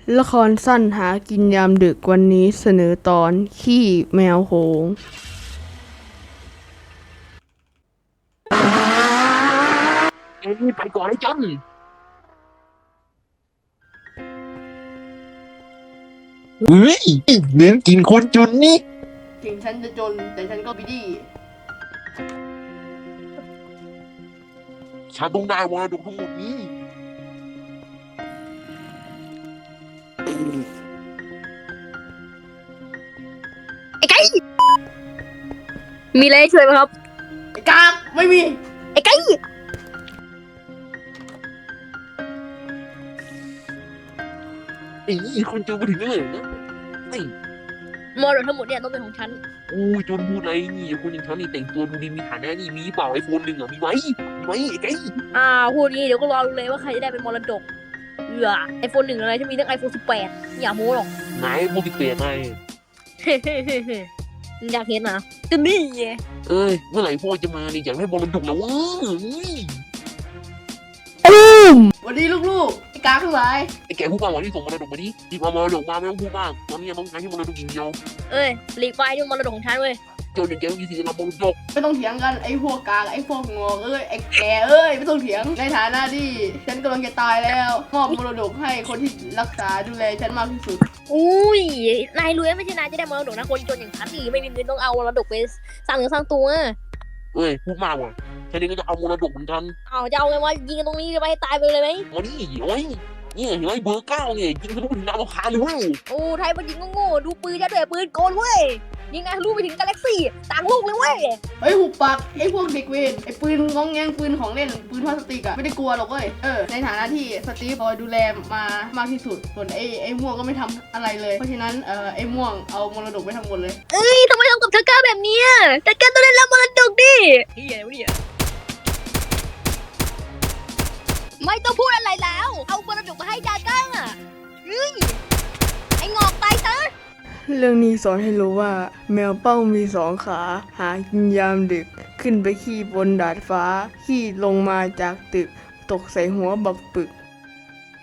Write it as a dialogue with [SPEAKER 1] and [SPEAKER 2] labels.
[SPEAKER 1] ละครสั้นหากินยามดึกวันนี้เสนอตอนขี้แมวโหง
[SPEAKER 2] เอ้ยไปก่อนไอ้จันเฮ้ยเน้นกินคนจนนี่
[SPEAKER 1] ถึงฉันจะจนแต่ฉันก็บิดี
[SPEAKER 2] ฉันต้องได้มรดกทั้งหมดนี้
[SPEAKER 3] ไอ้ไก่มีอะไรให้ช่วยไหมครับ
[SPEAKER 1] ไอ้กากไม่มี
[SPEAKER 3] ไอ้ไก่
[SPEAKER 2] ไอ้คนจนมาถึงนี่เลยนะไอ้
[SPEAKER 3] มรดกทั้งหมดเนี่ยต้องเป็นของฉัน
[SPEAKER 2] โอ้ยจนพูดอะไรนี่คนอย่างฉันนี่แต่งตัวดูดีมีฐานะนี่มีเปล่าไอโฟนหนึ่งอ่ะมีไหมไอ้ไก่
[SPEAKER 3] พูดงี้เดี๋ยวก็รอดูเลยว่าใครจะได้เป็นมรดกไอโฟน1อะไรฉันมีตั้งiPhone 18อย่าโม้หรอก
[SPEAKER 2] ไหนโมบิเปลี่ยนไง
[SPEAKER 3] อยากเห็นนะก็นี่ไง
[SPEAKER 2] เอ้ยเมื่อไหร่พ่อจะมาเนี่ยอยากได้มรดกแล้ววะ
[SPEAKER 1] วันนี้ลูกๆไอ้กากทั้งหลาย
[SPEAKER 2] ไอ้แกพูดมาวันที่ส่งมรดกมาดิหยิบเอามรดกมาไม่ต้องพูดมากตอนนี้ต้องการที่มรดกอย่างเดียว
[SPEAKER 3] เอ้ยหลีกไปนี่มรดกของฉันเว้ย
[SPEAKER 2] เจ้าอย่างแกมีสิทธิ์รับมรดก
[SPEAKER 1] ไม่ต้องเถียงกันไอ้พวกกากไอ้พวกงอกไอ้แกไม่ต้องเถียงในฐานะที่ฉันกำลังจะตายแล้วมอบมรดกให้คนที่รักษาดูแลฉันมากที่สุด
[SPEAKER 3] อุ้ยนายรวยไม่ใช่นายจะได้มรดกนะคนจนอย่างฉันนี่ไม่มีเงินต้องเอามรดกไปสร้างเนื้อสร้างตัว
[SPEAKER 2] เอ้ยพูดมากว่ะฉันเองก็จะเอามรดกเหมือนกัน
[SPEAKER 3] จะเอาไงวะยิงกันตรงนี้จะไปให้ตายไปเลยไหม
[SPEAKER 2] มาดิโอ้ยเนี่ยเห็นไหมเบอร์9เนี่ยยิงทะลุถึงดาวอังคารเลยเว้ย
[SPEAKER 3] ไทยมันยิงโง่ๆดูปืนจะด้วยปืนโกนเว้ยยิงไงทะลุไปถึงกาแล็กซี่ต่างโลกเลยเว้ย
[SPEAKER 1] เฮ้ยหุบปากไอ้พวกเด็กเวรไอ้ปืนงองแงงปืนของเล่นปืนพลาสติกอะไม่ได้กลัวหรอกเว้ยในฐานะที่สตีฟคอยดูแลมามากที่สุดส่วนไอ้ม่วงก็ไม่ทำอะไรเลยเพราะฉะนั้นไอ้ม่วงเอามรดกไปทั้งหมดเลย
[SPEAKER 3] ทำไมทำกับทักก้าแบบนี้ทักก้าต้องได้รับมรดกดิเฮียวะเนี่ยไม่ต้องพูดอะไรแล้วเอามรดกมาให้ดาก้าไอ้งอกตายซะ
[SPEAKER 1] เรื่องนี้สอนให้รู้ว่าแมวเป้ามีสองขาหากินยามดึกขึ้นไปขี้บนดาดฟ้าขี้ลงมาจากตึกตกใส่หัวบักปึก